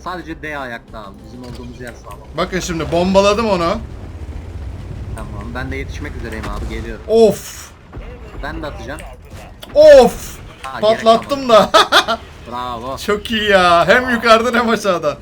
Sadece D ayakta abi. Bizim olduğumuz yer sağlam. Bakın şimdi bombaladım onu. Tamam. Ben de yetişmek üzereyim abi. Geliyorum. Of. Ben de atacağım. Of. Ha, Patlattım da. Bravo. Çok iyi ya. Hem yukarıdan hem aşağıdan.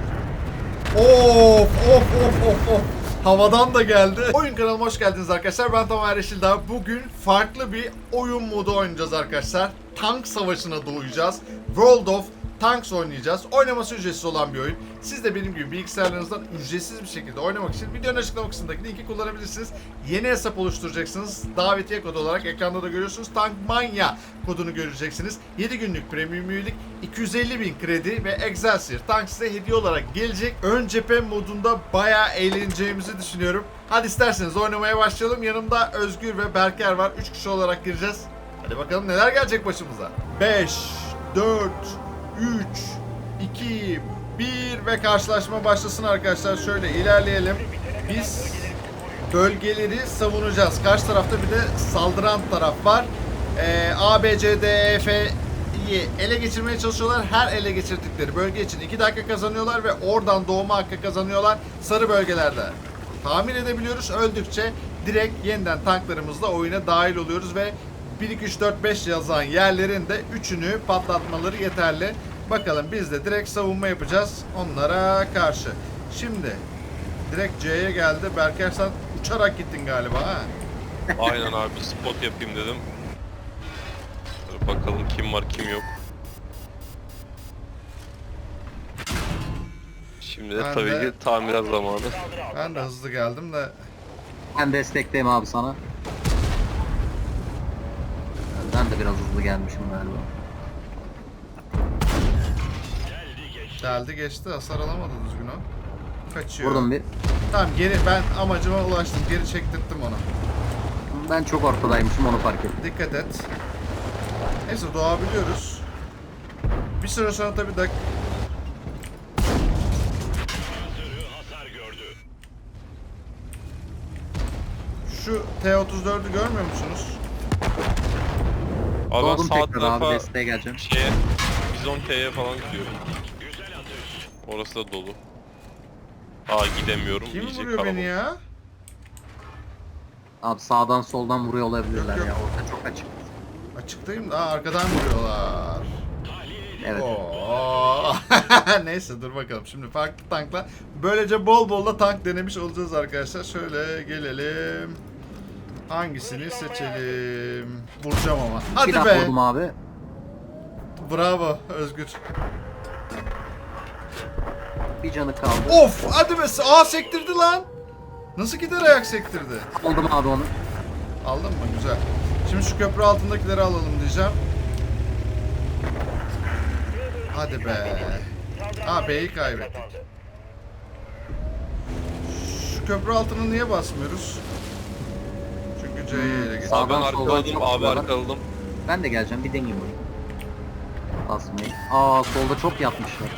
Of of of of of. Havadan da geldi. Oyun kanalıma hoş geldiniz arkadaşlar. Ben Tamer Yeşildağ. Bugün farklı bir oyun modu oynayacağız arkadaşlar. Tank savaşına doğacağız. World of Tanks oynayacağız. Oynaması ücretsiz olan bir oyun. Siz de benim gibi bilgisayarlarınızdan ücretsiz bir şekilde oynamak için videonun açıklama kısmındaki linki kullanabilirsiniz. Yeni hesap oluşturacaksınız. Davetiye kodu olarak ekranda da görüyorsunuz. Tankmania kodunu göreceksiniz. 7 günlük premium üyelik, 250.000 kredi ve Excelsior Tank size hediye olarak gelecek. Ön cephe modunda bayağı eğleneceğimizi düşünüyorum. Hadi isterseniz oynamaya başlayalım. Yanımda Özgür ve Berker var. 3 kişi olarak gireceğiz. Hadi bakalım neler gelecek başımıza. 5, 4, 3, 2, 1 ve karşılaşma başlasın arkadaşlar. Şöyle ilerleyelim. Biz bölgeleri savunacağız. Karşı tarafta bir de saldıran taraf var. A, B, C, D, E, F'yi ele geçirmeye çalışıyorlar. Her ele geçirdikleri bölge için 2 dakika kazanıyorlar ve oradan doğma hakkı kazanıyorlar. Sarı bölgelerde tahmin edebiliyoruz. Öldükçe direkt yeniden tanklarımızla oyuna dahil oluyoruz ve 1, 2, 3, 4, 5 yazan yerlerin de 3'ünü patlatmaları yeterli. Bakalım biz de direkt savunma yapacağız onlara karşı. Şimdi direkt C'ye geldi. Berker sen uçarak gittin galiba ha? Aynen abi, spot yapayım dedim. Dur bakalım kim var kim yok. Şimdi de Ben tabii de- ki tamirat zamanı. Ben de hızlı geldim de. Ben destekteyim abi sana. Ben de biraz hızlı gelmişim galiba. Geldi geçti, hasar alamadı düzgün o. Kaçıyor. Vurdum bir. Tamam geri, ben amacıma ulaştım. Geri çektirttim onu. Ben çok ortadaymışım, onu fark ettim. Dikkat et. Neyse doğabiliyoruz. Bir süre sonra tabii şu T-34'ü görmüyor musunuz? Abi ben Doğdum sağ tekrar abi, tarafa desteğe geleceğim. Bizon T'ye falan gidiyorum. Orası da dolu. Aa, gidemiyorum. Kim iyice vuruyor beni kalabalık. ya? Abi sağdan soldan vuruyor olabilirler Yok, yok. ya. Orta çok açık. Açıktayım da arkadan vuruyorlar. Evet. Oo. Neyse dur bakalım. Şimdi farklı tanklar. Böylece bol bol da tank denemiş olacağız arkadaşlar. Şöyle gelelim. Hangisini seçelim? Vuracağım ama. Hadi Bir daha be. vurdum abi. Bravo Özgür. Bir canı kaldı. Of hadi be. Aa sektirdi lan. Nasıl gider ayak sektirdi? Aldım abi onu. Aldın mı? Güzel. Şimdi şu köprü altındakileri alalım diyeceğim. Hadi be. Ha B'yi kaybettik. Şu köprü altına niye basmıyoruz? Çünkü C'yi ele geçtik. Abi ben Sağdan soldan arkaladım, çok abi vuruyorlar. arkaladım. Ben de geleceğim, bir deneyeyim onu. Basmayı. Aa, solda çok yatmışlar.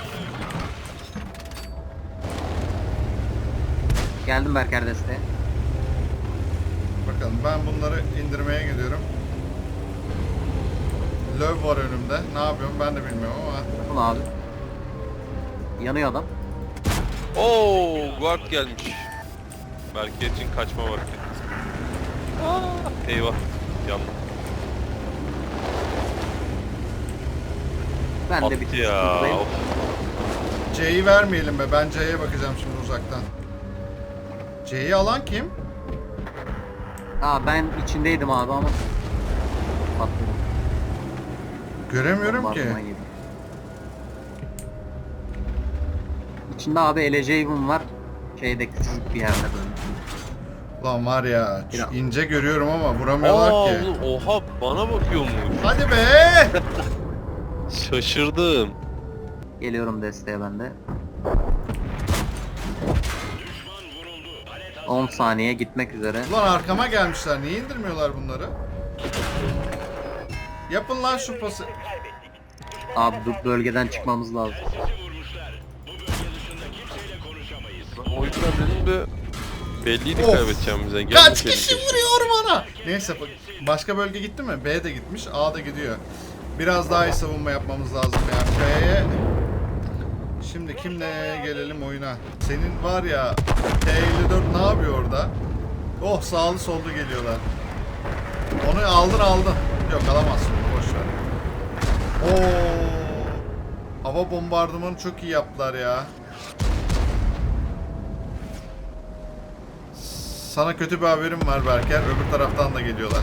Geldim Berker desteğe. Bakalım ben bunları indirmeye gidiyorum. Löv var önümde. Ne yapıyorum ben de bilmiyorum ama. Bunu abi. Yanıyor adam. Oo, guard gelmiş. Belki için kaçma var. Eyvah. Yandım. Ben de Attı bir ya. sıkıntıdayım. Of. C'yi vermeyelim be. Ben C'ye bakacağım şimdi uzaktan. C'yi alan kim? Aa, ben içindeydim abi ama patladım. Göremiyorum ki. Bombardıman yedi. İçinde abi Eleceiv'im var. Şeyde küçücük bir yerde böyle. Lan var ya Biraz. ince görüyorum ama vuramıyorlar Aa, ki. oğlum, oha, bana bakıyormuş. Hadi be! Şaşırdım. Geliyorum desteğe ben de. 10 saniye gitmek üzere. Ulan arkama gelmişler. Niye indirmiyorlar bunları? Yapın lan şu pası. Abi bu bölgeden çıkmamız lazım. O yüzden dedim de belliydi Of. kaybedeceğimize. Kaç kişi vuruyor bana? Neyse başka bölge gitti mi? B de gitmiş. A da gidiyor. Biraz daha iyi savunma yapmamız lazım ya. B'ye Şimdi kimle gelelim oyuna? Senin var ya T54 ne yapıyor orada? Oh, sağlı sollu geliyorlar. Onu aldın. Yok, alamazsın onu, boş ver. Oo. Hava bombardımanı çok iyi yaptılar ya. Sana kötü bir haberim var Berker. Öbür taraftan da geliyorlar.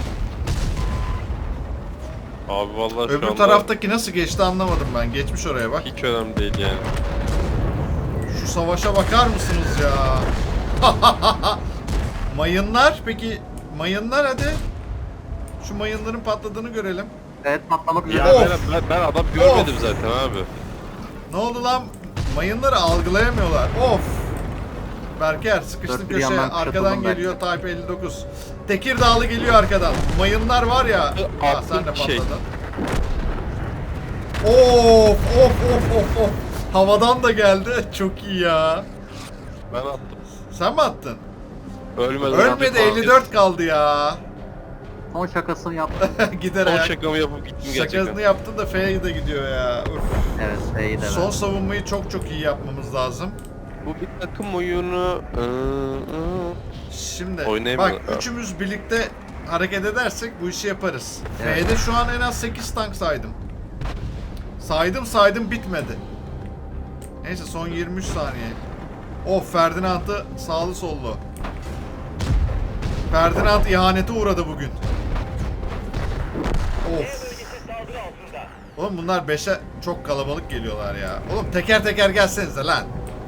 Abi vallahi şu Öbür anda taraftaki nasıl geçti anlamadım ben. Geçmiş oraya bak. hiç önemli değil yani. Şu savaşa bakar mısınız ya? Mayınlar peki, mayınlar hadi. Şu mayınların patladığını görelim. Evet, patlamak üzere. Ya Of. ben adam görmedim zaten abi. Ne oldu lan? Mayınları algılayamıyorlar. Of. Berker sıkıştın Dört bir köşeye. yandan Arkadan kuşatıldım geliyor Type 59. Tekirdağlı geliyor arkadan. Mayınlar var ya. Ah, sen de Şey. patladın. Of. Havadan da geldi. Çok iyi ya. Ben attım. Sen mi attın? Ölmeden Ölmedi, 54 kaldı ya. Son şakasını yaptım. Gider Son ayak. şakamı yapıp gittim gerçekten. Şakasını yaptın da F'ye de gidiyor ya. Uf. Evet, iyi de Son ben. savunmayı çok iyi yapmamız lazım. Bu bir takım oyunu. Şimdi Oynayamıyor. bak, üçümüz birlikte hareket edersek bu işi yaparız. Evet. F'de şu an en az 8 tank saydım. Saydım bitmedi. Neyse, son 23 saniye. Of, Ferdinand'ı sağlı sollu. Ferdinand ihanete uğradı bugün. Of. Oğlum bunlar 5'e çok kalabalık geliyorlar ya. Oğlum teker teker gelsenize lan.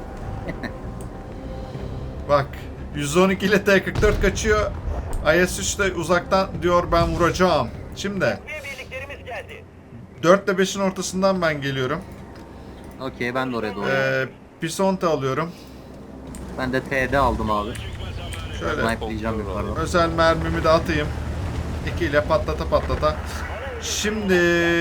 Bak, 112 ile T44 kaçıyor. IS-3 de uzaktan diyor ben vuracağım. Şimdi 4 ile 5'in ortasından ben geliyorum. Okey, ben de oraya doğru. Pisonte alıyorum. Ben de TD aldım abi. Şöyle Snipe'layacağım yukarıdan. özel mermimi de atayım. 2 ile patlata. Şimdi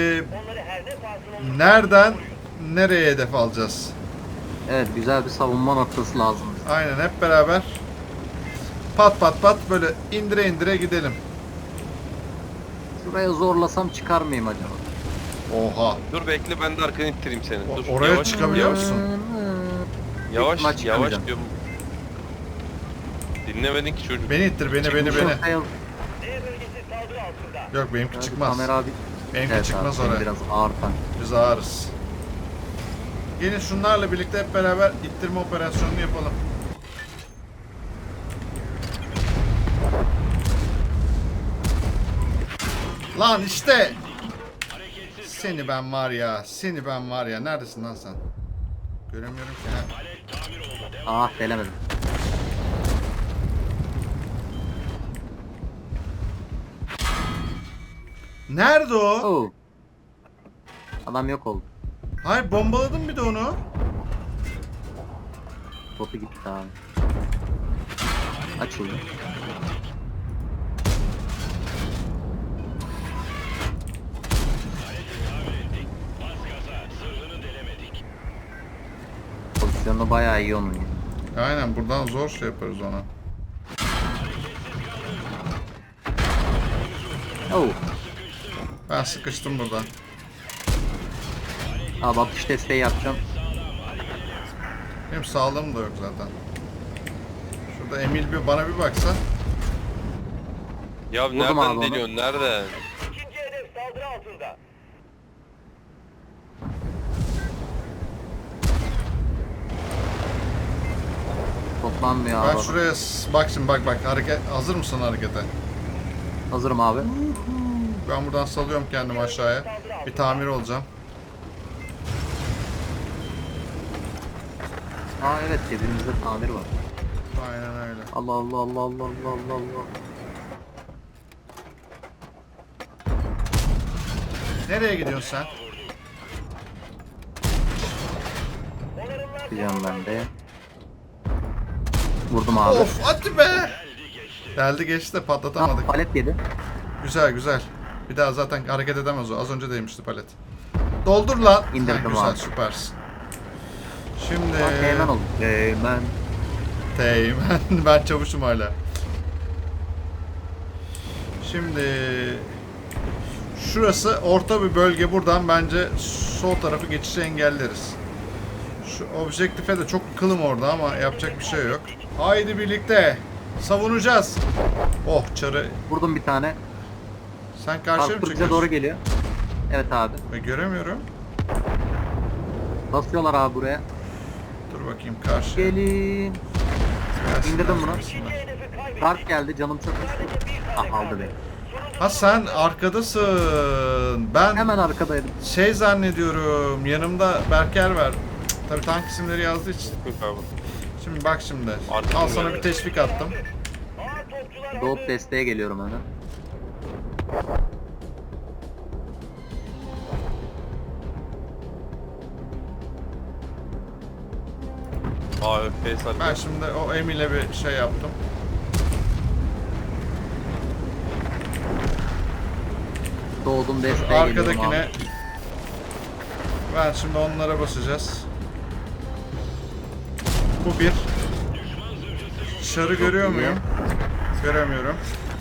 nereden nereye hedef alacağız? Evet, güzel bir savunma noktası lazım. Aynen, hep beraber pat böyle indire gidelim. Şuraya zorlasam çıkar mıyım acaba? Oha. Dur bekle, ben de arkanı ittireyim seni. Dur. Oraya yavaş, çıkabiliyor yavaş, musun? Yavaş, İhtimal çıkamayacağım. diyorum. Dinlemedin ki çocuk. Beni ittir, beni. Fail. Yok, benimki çıkmaz. Tamer abi. Benimki Evet çıkmaz abi, oraya. biraz ağır tank. Biz ağırız. Gelin şunlarla birlikte hep beraber ittirme operasyonunu yapalım. Lan işte. Seni ben var ya. Neredesin lan sen? Göremiyorum ki. Ah, delemedim. Nerede o? Oo. Adam yok oldu. Hayır, bombaladım bir de onu. Botu gitti abi. Açıldı. Pozisyonu bayağı iyi onun. Aynen, buradan zor şey yaparız ona. Oo. Ben sıkıştım burada. Abi atış desteği yapacağım. Benim sağlığım da yok zaten. Şurada Emil bana bir baksa. Ya Vurdum nereden abi onu. deliyorsun? Nereden? İkinci hedef saldırı altında. Toplanmıyor Ben abi. şuraya bak şimdi, bak hareket, hazır mısın harekete? Hazırım abi. Ben buradan salıyorum kendimi aşağıya. Bir tamir olacağım. Aa evet, cebimizde tamir var. Aynen öyle. Allah Allah Allah Allah Allah Allah Allah. Nereye gidiyorsun sen? Gideceğim ben de. Vurdum abi. Of, hadi be! Geldi geçti de patlatamadık. Ah, palet yedi. Güzel. Bir daha zaten hareket edemez o. Az önce değmişti palet. Doldur lan. İndirdim Ha, güzel, abi. süpersin. Şimdi... Teğmen oldu. Teğmen. Teğmen. Ben çavuşum hala. Şimdi... Şurası orta bir bölge. Buradan bence sol tarafı geçişi engelleriz. Şu objektife de çok kılım orada ama yapacak bir şey yok. Haydi birlikte savunacağız. Oh çarı. Vurdum bir tane. Sen karşıya mı Karşı bize çekiyorsun? doğru geliyor. Evet abi. Göremiyorum. Basıyorlar abi buraya. Dur bakayım karşıya. Gelin. Gelsin, İndirdim bunu. gelsin. Hedefi kaybettik. Dark geldi, canım çok düştü. Ah, aldı beni. Ha sen arkadasın. Ben Hemen arkadaydım. şey zannediyorum. Yanımda Berker var. Cık, tabii tank isimleri yazdığı için. Yok abi. Şimdi bak şimdi. Arkamda Al sana geldi. bir teşvik attım. Ağır topçular Doğup hazır. desteğe geliyorum hemen. AFP sarı. Ben şimdi o Emil'e bir şey yaptım. Doğdum desteğe geliyorum Arkadakine abi. ben şimdi onlara basacağız. Bu bir. Dışarı görüyor iyi. muyum? Göremiyorum.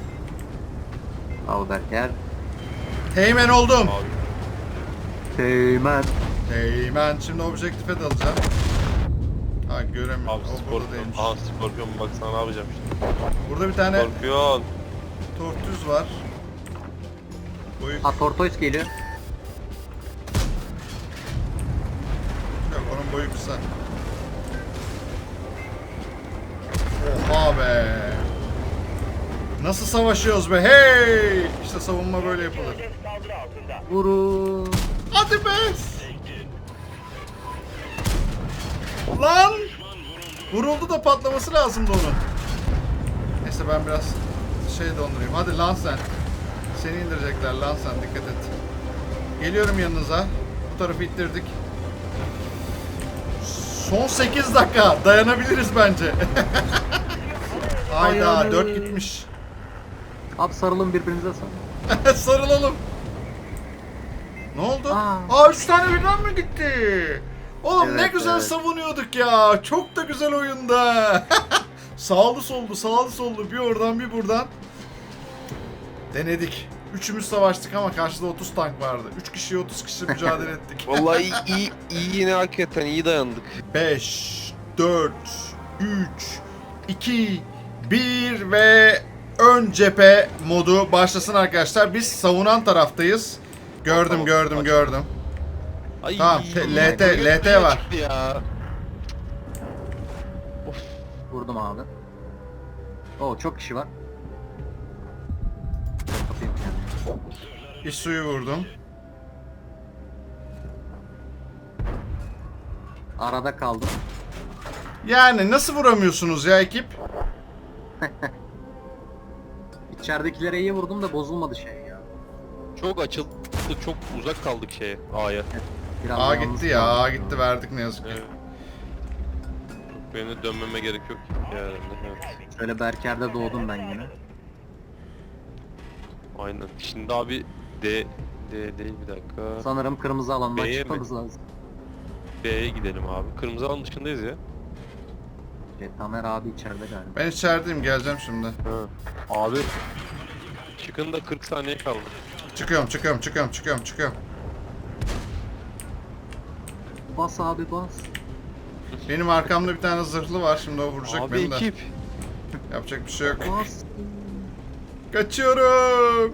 Al Berker. Teğmen oldum. Abi. Teğmen. Teğmen. Şimdi objektife dalacağım. Ha göremiyorum. Abi O burada Scorpion. değilmiş. Aha Scorpion bak sana ne yapacağım şimdi. Burada bir tane Scorpion. tortüz var. Boyu Ha, Tortoise geliyor. yok, onun boyu kısa. Oha be. Nasıl savaşıyoruz be hey! İşte savunma böyle yapılır. Hedef saldırı altında. Vurun. Hadi be! Lan! Vuruldu da patlaması lazımdı onun. Neyse ben biraz şey dondurayım. Hadi lan sen. Seni indirecekler lan sen, dikkat et. Geliyorum yanınıza. Bu tarafı ittirdik. Son 8 dakika. Dayanabiliriz bence. Hayda Dayanın. 4 gitmiş. Abi sarılın birbirinize sarılın. Sarılalım. Ne oldu? Aa. 3 tane birden mi gitti? Oğlum ne Evet, güzel evet. savunuyorduk ya. Çok da güzel oyunda. Sağlı sollu, sağlı sollu, bir oradan bir buradan. Denedik. Üçümüz savaştık ama karşıda 30 tank vardı. 3 kişiye 30 kişi mücadele ettik. Vallahi iyi yine hakikaten iyi dayandık. 5, 4, 3, 2, 1 ve ön cephe modu başlasın arkadaşlar. Biz savunan taraftayız. Gördüm, Tamam, gördüm, aç. gördüm. Ay, Tamam, LT var. çıktı ya. Vurdum abi. Oo, çok kişi var. Kapayım kendimi. İsu'yu vurdum. Arada kaldım. Yani nasıl vuramıyorsunuz ya ekip? İçeridekilere iyi vurdum da bozulmadı şey ya. Çok açıldı, çok uzak kaldık şeye, A'ya. Biraz A yalnız gitti ya, kaldım. A gitti, verdik ne yazık ki. Evet. Benim de dönmeme gerek yok yani. Evet. Şöyle Berker'de doğdum ben yine. Aynen. Şimdi abi D değil bir dakika. Sanırım kırmızı alandan B'ye mi? çıkmamız lazım. B'ye gidelim abi. Kırmızı alan dışındayız ya. Tamer abi içeride galiba. Ben içerideyim, geleceğim şimdi. Ha. Abi çıkın da 40 saniye kaldı. Çıkıyorum, çıkıyorum, çıkıyorum, çıkıyorum, çıkıyorum. Bas abi bas. Benim arkamda bir tane zırhlı var, şimdi o vuracak Abi beni de. ekip. Yapacak bir şey yok. Bas. Kaçıyorum.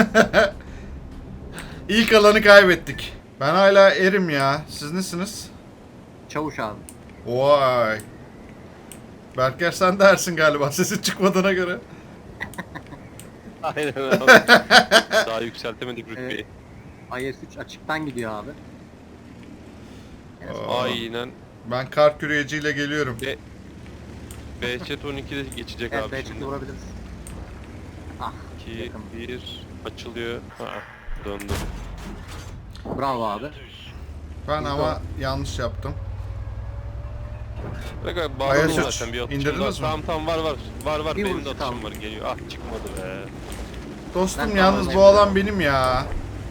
İlk alanı kaybettik. Ben hala erim ya. Siz nesiniz? Çavuş abi. Vay. Berker sen de ersin galiba, sesin çıkmadığına göre. Aynen abi. Daha yükseltemedik rütbeyi. IS-3 açıktan gidiyor abi. Aa, Aynen. Ben kar küreciyle geliyorum. Behçet 12'de geçecek Evet, abi belki şimdi. vurabiliriz. Ah, 2, yakın. 1 açılıyor. Ha, döndü. Bravo abi. Ben ama yanlış yaptım. Bak abi Ayas bağladım üç. zaten bir atışım İndirdiniz var. mi? Tamam var Bir benim vuruş de atışım kaldı. var geliyor. Ah çıkmadı be. Dostum Ben yalnız bu tamamlayayım. alan benim ya.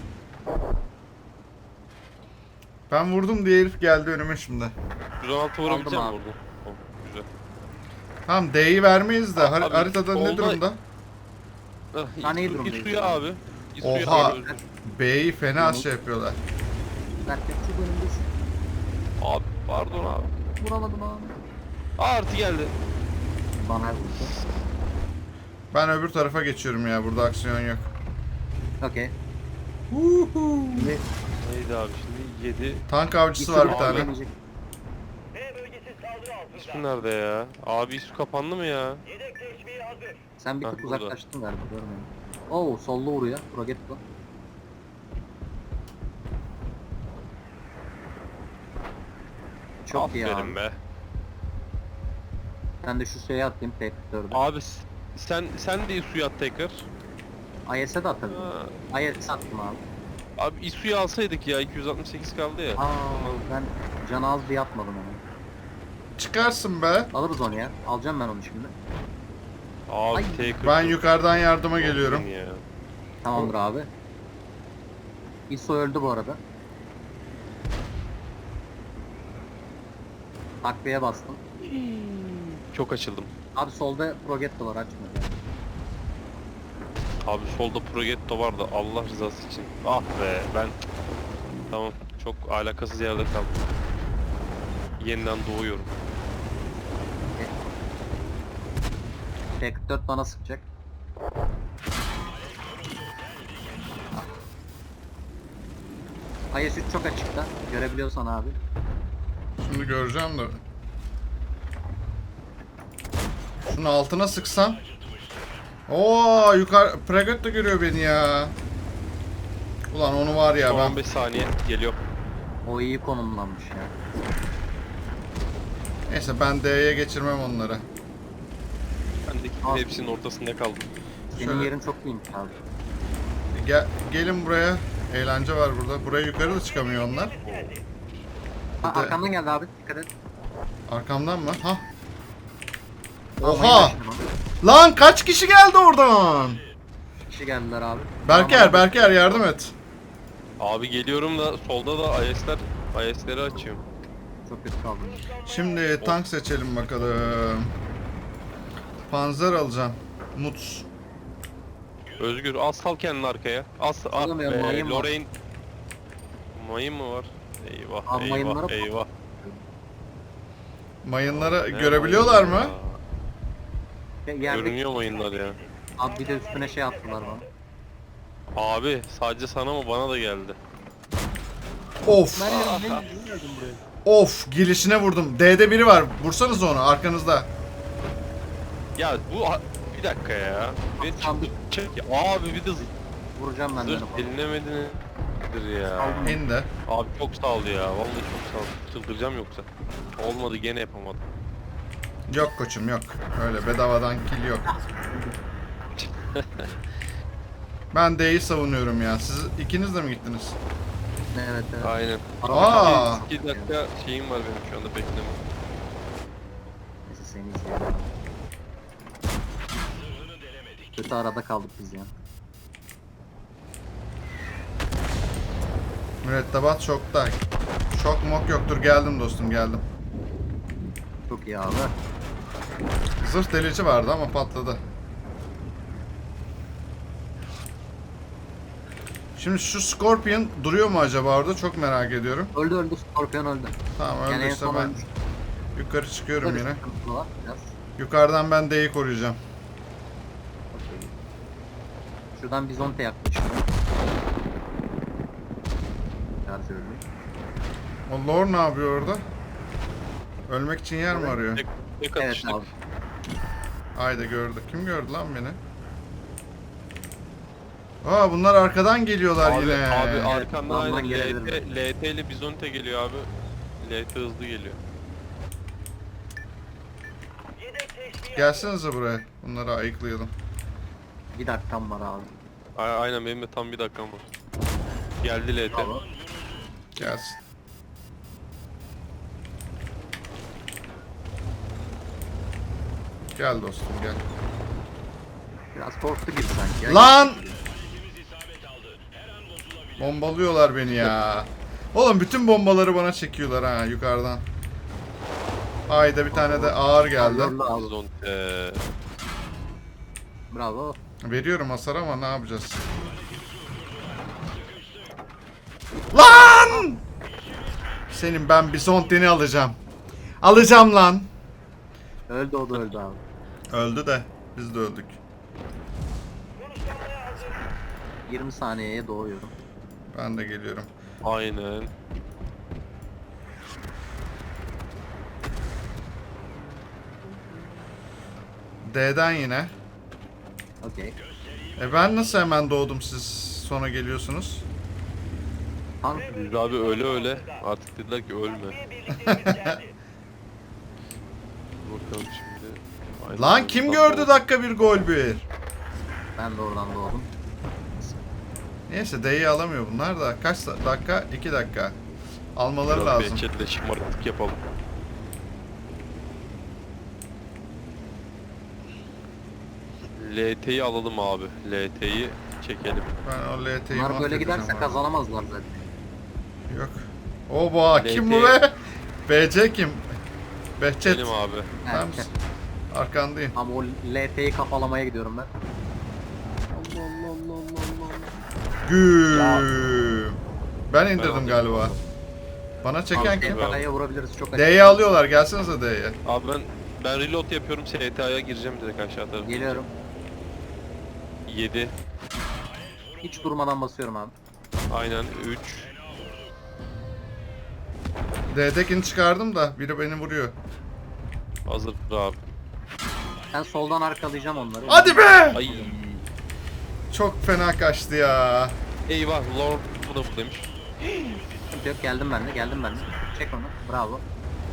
Ben vurdum diye herif geldi önüme şimdi. 116 vurabilecek mi abi. vurdun? Oh, güzel. Tamam D'yi vermeyiz de Abi, haritada ne solda- durumda? Ah, Ben iyi İSU- durumdayım. İSU'ya abi. İSU'ya Oha. abi. B'yi fena Tamam. şey yapıyorlar. Berker çok önündesin. Abi Pardon abi. Vuramadım abi. Artı geldi. Bana vurdu. Ben öbür tarafa geçiyorum ya. Burada aksiyon yok. Okey. Huhu. Neydi abi şimdi? 7. Tank avcısı var bir tane. Yenecek. B bölgesi saldırı İsu altında. nerede ya? Abi İsu kapandı mı ya? Yedek teşviği hazır. Sen bir Ha, tık burada. uzaklaştın galiba, görmedim. Oo, sollu vuruyor. Progetto. Çok iyi Aferin abi. be. Ben de şu suya atayım, P4'ü. Abi sen de İsu'yu at tekrar. IS'e de atabilirim. Ha. IS'e attım abi. Abi İsu'yu alsaydık ya 268 kaldı ya. Aa, ben can az diye atmadım onu. Çıkarsın be. Alırız onu ya. Alacağım ben onu şimdi. Abi Ay. T40. Ben yukarıdan yardıma geliyorum. Ya. Tamamdır abi. ISO öldü bu arada. Takviye bastım. Çok açıldım. Abi solda Progetto var, açmıyor. Abi solda Progetto vardı Allah rızası için. Ah be ben. Tamam çok alakasız yerde kaldım. Yeniden doğuyorum. T44 bana sıkacak. IS-3 çok açıkta. Görebiliyorsan abi. Şimdi göreceğim de. Şunun altına sıksam. Oo, yukarı Pregot da görüyor beni ya. Ulan onu var ya Son ben. 15 saniye geliyor. O iyi konumlanmış ya. Neyse ben D'ye geçirmem onları. Ben de Abi. hepsinin ortasında kaldım. Senin Şöyle. yerin çok iyiymiş abi. Gelin buraya. Eğlence var burada. Buraya yukarı da çıkamıyor onlar. Ha, Bir de- arkamdan geldi abi, dikkat et. Arkamdan mı? Ha. Almayı Oha! bekliyorum. Lan kaç kişi geldi oradan? Kişi geldiler abi. Berker yardım et. Abi geliyorum da solda da IS'leri açıyorum. Çok kötü kaldım. Şimdi tank seçelim bakalım. Panzer alacağım. Muts. Özgür sal kendini arkaya. Alamıyorum, mayın var. Lorraine. Mayın mı var? Eyvah Abi mayınlara eyvah bak. eyvah. Mayınları Ne görebiliyorlar mayın mı? ya? Yerde Görünüyor mayınlar ya. abi, bir de üstüne şey attılar bana. Abi sadece sana mı bana da geldi. Of. Ben Of. Gelişine vurdum. D'de biri var. Vursanız onu arkanızda. Ya bir dakika ya. Bir Abi. çek ya. Abi bir de vuracağım ben de zırh onu. dinlemediniz ya. Aldım. İndi. Abi çok sağ ol ya. Vallahi çok sağ ol. Çıldıracağım yoksa. Olmadı gene yapamadım. Yok koçum yok. Öyle bedavadan kill yok. Ben D'yi savunuyorum ya. Siz ikiniz de mi gittiniz? Evet evet. Aynen. Aa! 2 dakika şeyim var benim şu anda bekleme. Neyse seni izleyelim. Kötü arada kaldık biz ya. Mürettebat şokta. Şok mok yoktur. Geldim dostum geldim. Çok iyi abi. Zırh delici vardı ama patladı. Şimdi şu Scorpion duruyor mu acaba orada? Çok merak ediyorum. Öldü, Scorpion öldü. Tamam Yani en öldüyse son ben ölmüş. yukarı çıkıyorum Böyle yine. sıkıntılı var biraz. Yukarıdan ben D'yi koruyacağım. Okey. Şuradan Bizonte yaklaşıyor. Şarj öldü. O Lord ne yapıyor orada? Ölmek için yer mi arıyor? Tek Evet atıştık. abi. Haydi gördü. Kim gördü lan beni? Aa bunlar arkadan geliyorlar Abi, yine. abi arkandan Yandan aynen gelebilir LT ile Bizonte geliyor abi. LT hızlı geliyor. Yedek teşviği Gelsenize buraya. Bunları ayıklayalım. Bir dakikam var abi. Aynen benim de tam bir dakikam var. Geldi LT. Bravo. Gelsin. Gel dostum gel. Biraz korktu gibi sanki ya. Lan! Bombalıyorlar beni ya. Oğlum bütün bombaları bana çekiyorlar ha yukarıdan. Hayda bir tane de ağır geldi. Zorlu abi. Bizonte. Bravo. Veriyorum hasar ama ne yapacağız? Lan! Senin ben Bisontin'i alacağım. Alacağım lan. Öldü, o da öldü abi. Öldü de biz de öldük. Konuşlanmaya hazır. 20 saniyeye doğuyorum. Ben de geliyorum. Aynen. D'den yine. Okey. Ben nasıl hemen doğdum, siz sonra geliyorsunuz? Tank Biz abi öyle artık dediler ki ölme. Takviye birliklerimiz geldi. Bakalım şimdi. Aynen. Lan kim Tam gördü doğru. dakika bir gol bir? ben de oradan doğdum. Neyse D'yi alamıyor bunlar da. Kaç dakika? 2 dakika. Almaları Biraz lazım. behçetle şımarıklık yapalım. LT'yi alalım abi. LT'yi çekelim. Ben o LT'yi Bunlar böyle mahvedeceğim giderse abi. kazanamazlar zaten. Yok. Oba kim bu LT. be? BC kim? Behçet. Benim abi. Ben Evet. arkandayım. Ama o LT'yi kafalamaya gidiyorum ben. Allah Allah Allah Allah Allah. Güm. Ben Ben indirdim aldım. galiba. Bana çeken Abi, kim? Paraya vurabiliriz çok açık. D'yi alıyorlar. Gelsenize D'ye. Abi ben reload yapıyorum. STA'ya gireceğim direkt aşağı tarafa. Geliyorum. 7. Hiç durmadan basıyorum abi. Aynen 3. D'dekini çıkardım da biri beni vuruyor. Hazır abi. Ben soldan arkalayacağım onları. Hadi be! Ay. Çok fena kaçtı ya. Eyvah Lord bu da buradaymış. Sıkıntı yok, geldim ben de, geldim ben de. Çek onu. Bravo.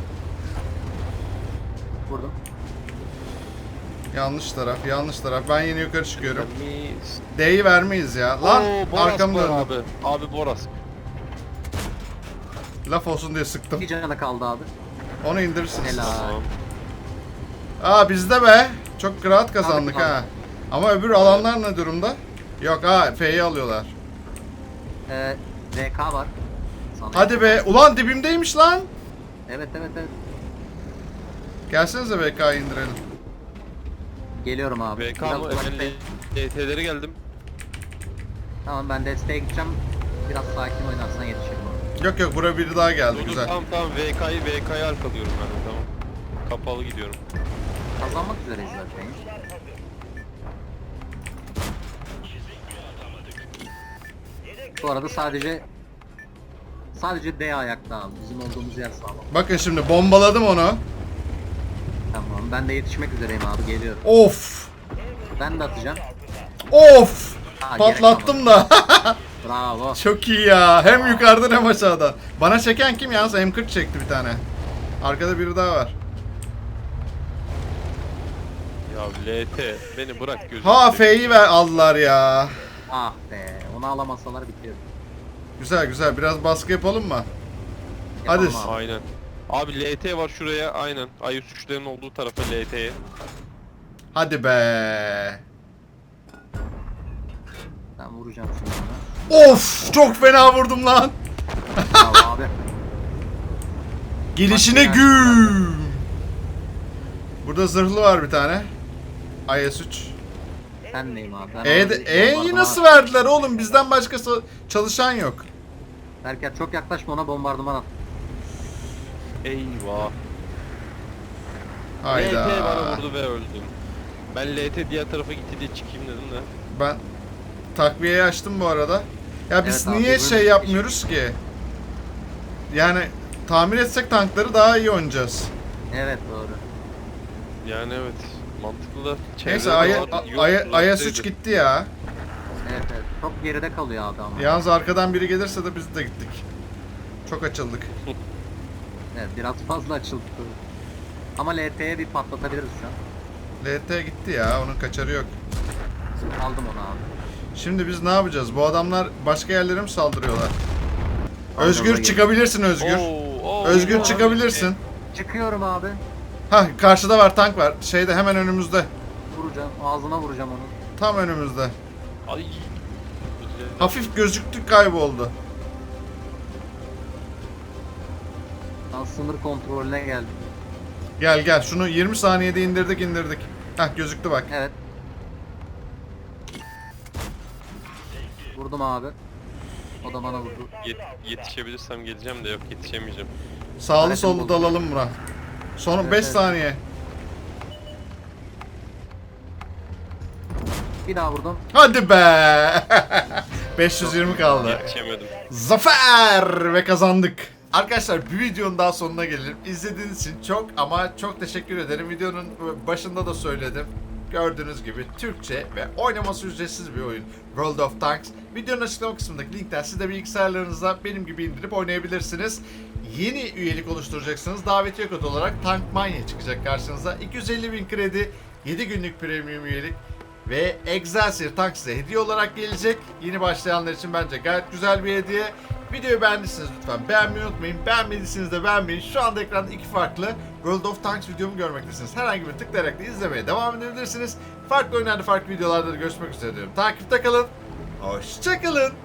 Vurdum. Yanlış taraf, yanlış taraf. Ben yeni yukarı çıkıyorum. Mis. D'yi vermeyiz ya. Lan Oo, Boras arkamda var döndüm. abi. Abi Boras. Laf olsun diye sıktım. Bir canı kaldı abi. Onu indirirsiniz. Helal. Tamam. Aa bizde be. Çok rahat kazandık Tabii, ha. Ama öbür alanlar ne durumda? Yok ha F'yi alıyorlar. VK var. Sana. Hadi be. Ulan dibimdeymiş lan. Evet evet evet. Gelsenize BK'yı indirelim. Geliyorum abi. VK Biraz mı? uzaktayım. Ben LT'lere geldim. Tamam, ben desteğe gideceğim. Biraz sakin oynarsan yetişirim ona. Yok yok buraya biri daha geldi Dur, dur, güzel. tamam VK'yı arkalıyorum ben de tamam. Kapalı gidiyorum. Kazanmak üzereyiz zaten. Bu arada sadece D ayakta abi. Bizim olduğumuz yer sağlam. Bakın şimdi bombaladım onu. Tamam, ben de yetişmek üzereyim abi, geliyorum. Of. Ben de atacağım. Of. Ha, Patlattım da. Bravo. Çok iyi ya. Hem yukarıdan hem aşağıdan. Bana çeken kim yalnız? M40 çekti bir tane. Arkada biri daha var. Ya LT beni bırak gözüm. Ha F'yi ver aldılar ya. Ah be, onu alamasalar bitiyor. Güzel güzel. Biraz baskı yapalım mı? Yapalım Hadi. abi. Aynen. Abi LT var şuraya aynen. IS-3'lerin olduğu tarafa LT'ye. Hadi be. Ben vuracağım şimdi ona. Of çok fena vurdum lan. Bravo abi. Gelişine Bak, güm. Burada zırhlı var bir tane. IS-3. Ben neyim abi? Ben E'yi nasıl verdiler oğlum? Bizden başkası çalışan yok. Berker çok yaklaşma, ona bombardıman at. Eyvah. Hayda. LT bana vurdu ve öldüm. Ben LT diğer tarafa gitti diye çıkayım dedim de. Ben takviyeyi açtım bu arada. Ya biz Evet abi, niye böyle şey bir- yapmıyoruz ki? Yani tamir etsek tankları daha iyi oynayacağız. Evet doğru. Yani evet. Mantıklı da. Neyse çevrede var, yok, IS-3 uzaktaydı. gitti ya. Evet evet. Çok geride kalıyor abi ama. Yalnız arkadan biri gelirse de biz de gittik. Çok açıldık. Evet, biraz fazla açıldı. Ama LT'ye bir patlatabiliriz şu an. LT gitti ya. Onun kaçarı yok. Aldım onu abi. Şimdi biz ne yapacağız? Bu adamlar başka yerlere mi saldırıyorlar? Aldım Özgür da çıkabilirsin Özgür. Oo, Özgür abi. çıkabilirsin. Çıkıyorum abi. Hah karşıda var tank var. Şeyde hemen önümüzde. Vuracağım. Ağzına vuracağım onu. Tam önümüzde. Ay. Hafif gözüktü kayboldu. Ben sınır kontrolüne geldim. Gel gel şunu 20 saniyede indirdik. Hah gözüktü bak. Evet. Vurdum abi. O da bana vurdu. Yetişebilirsem geleceğim de yok yetişemeyeceğim. Sağlı Hayatım sollu bozuldu. dalalım buna. Son Evet, 5 evet. saniye. Bir daha vurdum. Hadi be. 520 kaldı. Yetişemedim. Zafer ve kazandık. Arkadaşlar bir videonun daha sonuna gelelim. İzlediğiniz için çok ama çok teşekkür ederim. Videonun başında da söyledim. Gördüğünüz gibi Türkçe ve oynaması ücretsiz bir oyun. World of Tanks. Videonun açıklama kısmındaki linkten siz de bilgisayarlarınızda benim gibi indirip oynayabilirsiniz. Yeni üyelik oluşturacaksınız. Davetiye kodu olarak Tankmania çıkacak karşınıza. 250.000 kredi, 7 günlük premium üyelik ve Excelsior Tank size hediye olarak gelecek. Yeni başlayanlar için bence gayet güzel bir hediye. Videoyu beğendiyseniz lütfen beğenmeyi unutmayın. Beğenmediyseniz de beğenmeyin. Şu anda ekranda iki farklı World of Tanks videomu görmektesiniz. Herhangi bir tıklayarak da izlemeye devam edebilirsiniz. Farklı oyunlarda, farklı videolarda da görüşmek üzere diyorum. Takipte kalın. Hoşça kalın.